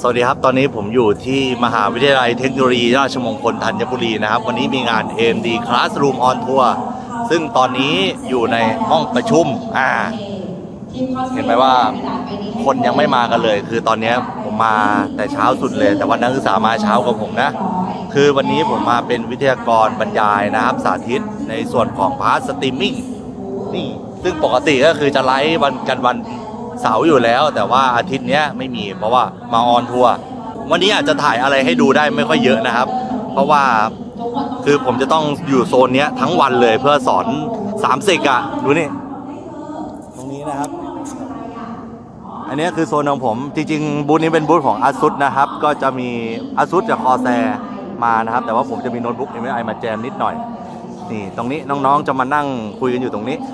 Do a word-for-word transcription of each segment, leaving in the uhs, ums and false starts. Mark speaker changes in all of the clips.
Speaker 1: สวัสดีครับตอนนี้ผมอยู่ที่มหาวิทยาลัยเทคโนโลยีราชมงคลธัญบุรีนะครับวันนี้มีงาน เอ็ม ดี Classroom on Tour ซึ่งตอนนี้อยู่ในห้องประชุมอ่าเห็นไหมว่าคนยังไม่มากันเลยคือตอนนี้ผมมาแต่เช้าสุดเลยแต่ว่านักศึกษามาเช้ากว่าผมนะคือวันนี้ผมมาเป็นวิทยากรบรรยายนะครับสาธิตในส่วนของพาร์ทสตรีมมิ่งนี่ซึ่งปกติก็คือจะไลฟ์วันกันวันเสาร์อยู่แล้วแต่ว่าอาทิตย์นี้ไม่มีเพราะว่ามาออนทัวร์วันนี้อาจจะถ่ายอะไรให้ดูได้ไม่ค่อยเยอะนะครับเพราะว่าคือผมจะต้องอยู่โซนนี้ทั้งวันเลยเพื่อสอนสามสิกอะดูนี่ตรงนี้นะครับอันนี้คือโซนของผมจริงๆบูธนี้เป็นบูธของ ASUS นะครับก็จะมี ASUS จาก Corsair มานะครับแต่ว่าผมจะมีโน้ตบุ๊ก เอ็ม เอส ไอ มาแจมนิดหน่อยนี่ตรงนี้น้องๆจะมานั่งคุยกันอยู่ตรงนี้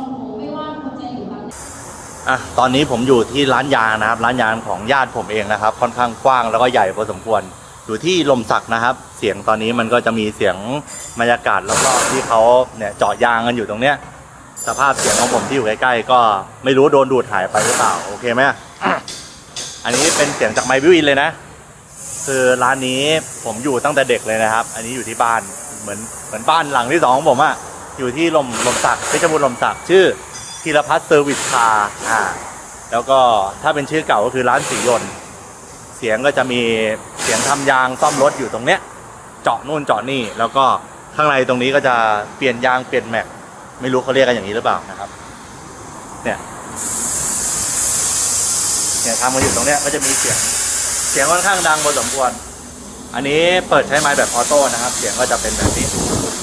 Speaker 1: อ่ะตอนนี้ผมอยู่ที่ร้านยางนะครับร้านยางของญาติผมเองนะครับค่อนข้างกว้างแล้วก็ใหญ่พอสมควรอยู่ที่ลมสักนะครับเสียงตอนนี้มันก็จะมีเสียงบรรยากาศรอบๆที่เขาเนี่ยเจาะยางกันอยู่ตรงเนี้ยสภาพเสียงของผมที่อยู่ใกล้ๆก็ไม่รู้โดนดูดหายไปหรือเปล่าโอเคไหม อันนี้เป็นเสียงจากไมค์บิวอินเลยนะคือร้านนี้ผมอยู่ตั้งแต่เด็กเลยนะครับอันนี้อยู่ที่บ้านเหมือนเหมือนบ้านหลังที่สองของผมอะอยู่ที่ลมลมสักเพชรบูรณ์ลมสักชื่อธีรพัฒน์เซอร์วิสคาร์อ่าแล้วก็ถ้าเป็นชื่อเก่าก็คือร้านสียนต์เสียงก็จะมีเสียงทำยางซ่อมรถอยู่ตรงเนี้ยเจาะนู่นเจาะนี่แล้วก็ข้างในตรงนี้ก็จะเปลี่ยนยางเปลี่ยนแม็กไม่รู้เขาเรียกกันอย่างนี้หรือเปล่านะครับเนี่ยเนี่ยทำกันอยู่ตรงเนี้ยก็จะมีเสียงเสียงค่อนข้างดังพอสมควรอันนี้เปิดใช้ไมค์แบบออโต้นะครับเสียงก็จะเป็นแบบนี้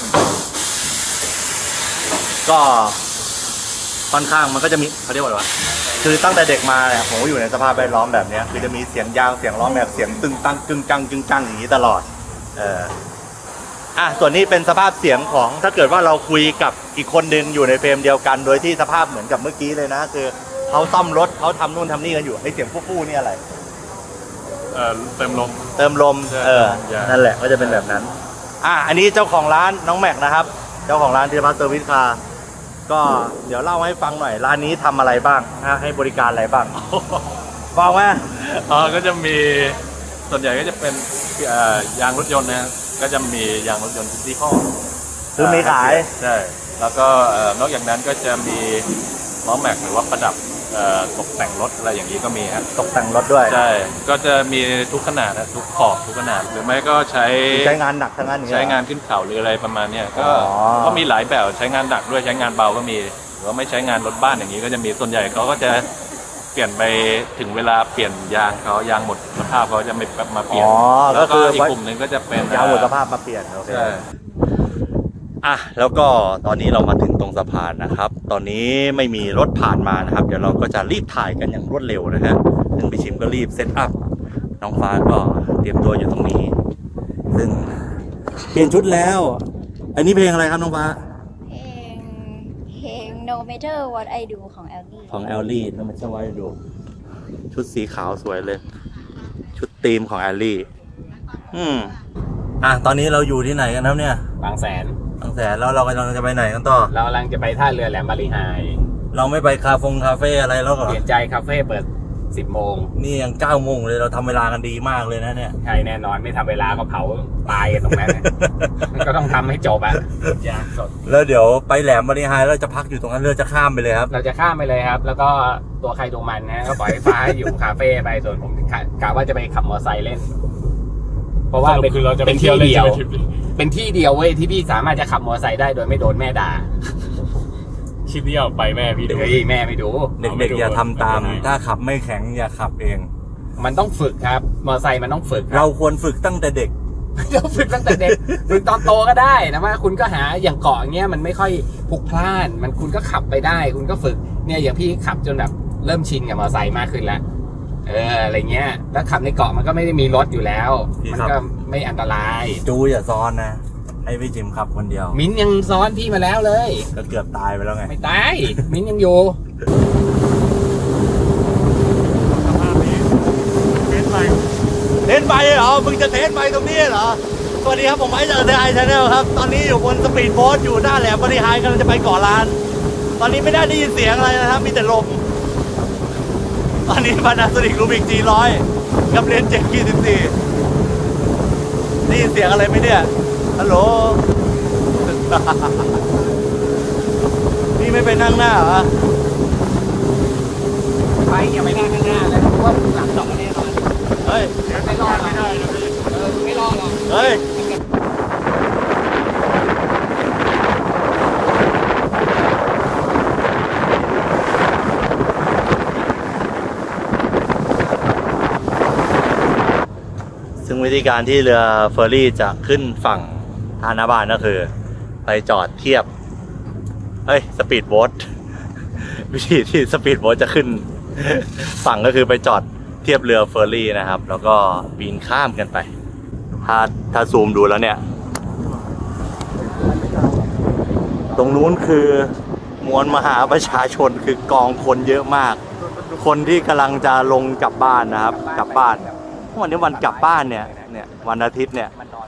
Speaker 1: ก็ค่อนข้างมันก็จะมีเขาเรียกว่าอะไรวะคือตั้งแต่เด็กมาเนี่ยผมก็อยู่ในสภาพแวดล้อมแบบนี้คือจะมีเสียงยางเสียงล้อแม็กเสียงตึงตังกึ่งกังกึ่งกังอย่างนี้ตลอดเอออ่ะส่วนนี้เป็นสภาพเสียงของถ้าเกิดว่าเราคุยกับอีกคนนึงอยู่ในเฟรมเดียวกันโดยที่สภาพเหมือนกับเมื่อกี้เลยนะคือเขาซ่อมรถเขาทำนู่นทำนี่กันอยู่ไอ้เสียงฟู่ๆนี่อะไร
Speaker 2: เออเติมลม
Speaker 1: เติมลมเออนั่นแหละก็จะเป็นแบบนั้นอ่ะอันนี้เจ้าของร้านน้องแม็กนะครับเจ้าของร้านธีรพัฒน์เซอร์วิสคาร์ก็เดี๋ยวเล่าให้ฟังหน่อยร้านนี้ทำอะไรบ้างให้บริการอะไรบ้างบอกว่า
Speaker 2: อ๋อก็จะมีส่วนใหญ่ก็จะเป็นยางรถยนต์นะก็จะมียางรถยนต์ทุกยี่ห้อ
Speaker 1: คือมีขาย
Speaker 2: ใช่แล้วก็นอกจากนั้นก็จะมีล้อแม็กหรือว่าประดับตกแต่งรถอะไรอย่างนี้ก็มีครับ
Speaker 1: ตกแต่งรถด้วย
Speaker 2: ใช่ก็จะมีทุกขนาดนะทุกขอบทุกขนาดหรือไม่ก็ใช้
Speaker 1: ใช้งานหนักทั้งนั้น
Speaker 2: ใช้งานขึ้นเขาหรืออะไรประมาณนี้ก็ก็มีหลายแบบใช้งานหนักด้วยใช้งานเบาก็มีหรือว่าไม่ใช้งานรถบ้านอย่างนี้ก็จะมีส่วนใหญ่เขาก็จะเปลี่ยนไปถึงเวลาเปลี่ยนยางเขายางหมดสภาพเขาจะไม่มาเปลี่ยนแล้วก็อีกกลุ่มหนึ่งก็จะเป็น
Speaker 1: ยางหมดสภาพมาเปลี่ยนโอเคอ่ะแล้วก็ตอนนี้เรามาถึงตรงสะพานนะครับตอนนี้ไม่มีรถผ่านมานะครับเดี๋ยวเราก็จะรีบถ่ายกันอย่างรวดเร็วนะฮะซึ่งพี่ชิมก็รีบเซตอัพน้องฟ้าก็เตรียมตัวอยู่ตรงนี้ซึ่งเปลี่ยนชุดแล้วอันนี้เพลงอะไรครับน้องฟ้า
Speaker 3: เพลงเพลง No Matter What I Do ของ แอลลี่
Speaker 1: ของ แอลลี่ No Matter What I Do ชุดสีขาวสวยเลยชุดธีมของ แอลลี่อืมอ่ะตอนนี้เราอยู่ที่ไหนกันครับเนี่ย
Speaker 4: บางแสน
Speaker 1: บางแสนแล้วเรากำลังจะไปไหนกันต่อ
Speaker 4: เรากำลังจะไปท่าเรือแหลมบาลีไฮ
Speaker 1: เราไม่ไปคาเฟ่คาเฟ่อะไรแล้วเหรอ
Speaker 4: เปลี่ยนใจคาเฟ่เปิดสิบโมง
Speaker 1: นี่ยังเก้าโมงเลยเราทำเวลากันดีมากเลยนะเนี่ย
Speaker 4: ใช่แน่นอนไม่ทำเวลาก็เผาตายกันตรงนั้นก็ต้องทำให้จบอ่ะยางสด
Speaker 1: แล้วเดี๋ยวไปแหลมบาลีไฮแล้วจะพักอยู่ตรงนั้นเรือจะข้ามไปเลยครับ
Speaker 4: เราจะข้ามไปเลยครับแล้วก็ตัวใครตัวมันนะก็ปล่อยฟ้าอยู่คาเฟ่ไปส่วนผมกะว่าจะไปขับมอเตอร์ไซค์เล่นเพราะว่าเป็น
Speaker 2: คือเราจะ
Speaker 4: เป็นที่เดียวเป็นที่เดียวเว้ยที่พี่สามารถจะขับมอเตอร์ไซค์ได้โดยไม่โดนแม่ด่า
Speaker 2: คลิปนี้เอาไปแม่พี่ดู
Speaker 4: แม่ไม่ดู
Speaker 1: เด็กๆอย่าทำตามถ้าขับไม่แข็งอย่าขับเอง
Speaker 4: มันต้องฝึกครับมอเตอร์ไซค์มันต้องฝึก
Speaker 1: เราควรฝึกตั้งแต่เด็ก
Speaker 4: เราฝึกตั้งแต่เด็กฝึกตอนโตก็ได้นะว่าคุณก็หาอย่างเกาะอย่างเงี้ยมันไม่ค่อยพลุกพล่านมันคุณก็ขับไปได้คุณก็ฝึกเนี่ยอย่างพี่ขับจนแบบเริ่มชินกับมอเตอร์ไซค์มากขึ้นแล้วเอออะไรเงี้ยแล้วขับในเกาะมันก็ไม่ได้มีรถอยู่แล้วมันก็ไม่อันตราย
Speaker 1: จูอย่าซ้อนนะให้พี่จิมขับคนเดียว
Speaker 4: มิ้นยังซ้อนพี่มาแล้วเลย
Speaker 1: ก็เกือบตายไปแล้วไง
Speaker 4: ไม่ตายมิ้นยังอยู่
Speaker 1: สภาพนี้เทสไปเทสไปเหรอมึงจะเทสไปตรงนี้เหรอสวัสดีครับผมไอซ์จากเดอะไอชาแนลครับตอนนี้อยู่บนสปีดโบ๊ทอยู่หน้าแหลมบาลีไฮกำลังจะไปเกาะล้านตอนนี้ไม่ได้ได้ยินเสียงอะไรนะครับมีแต่ลมตอนนี้ Panasonic Rubix จี หนึ่งร้อยกับเลนเจ็ดขีดสิบสี่ได้ยินเสียงอะไรไหมเนี่ยฮัลโหล นี่ไม่ไปนั่งหน้าเหรอ
Speaker 4: ไปอย่าไปนั่งข้างหน้าเลยเพราะว่าหลังสองแน่นอน
Speaker 1: เฮ้ย
Speaker 4: เดี๋ยวไม่รอดไม่ได้เออไม่รอดหรอก
Speaker 1: เฮ้ย ซึ่งวิธีการที่เรือเฟอร์รี่จะขึ้นฝั่งท่าหน้าบ้านก็คือ ไปจอดเทียบ เฮ้ย สปีดโบ๊ท วิธีที่สปีดโบ๊ทจะขึ้น ฝั่งก็คือไปจอดเทียบเรือเฟอร์รี่นะครับ แล้วก็ปีนข้ามกันไป ถ้าถ้าซูมดูแล้วเนี่ย ตรงนู้นคือมวลมหาประชาชนคือกองคนเยอะมาก คนที่กำลังจะลงกลับบ้านนะครับ กลับบ้านวันนี้วันกลับบ้านเนี่ยเนี่ยวันอาทิตย์เนี่ย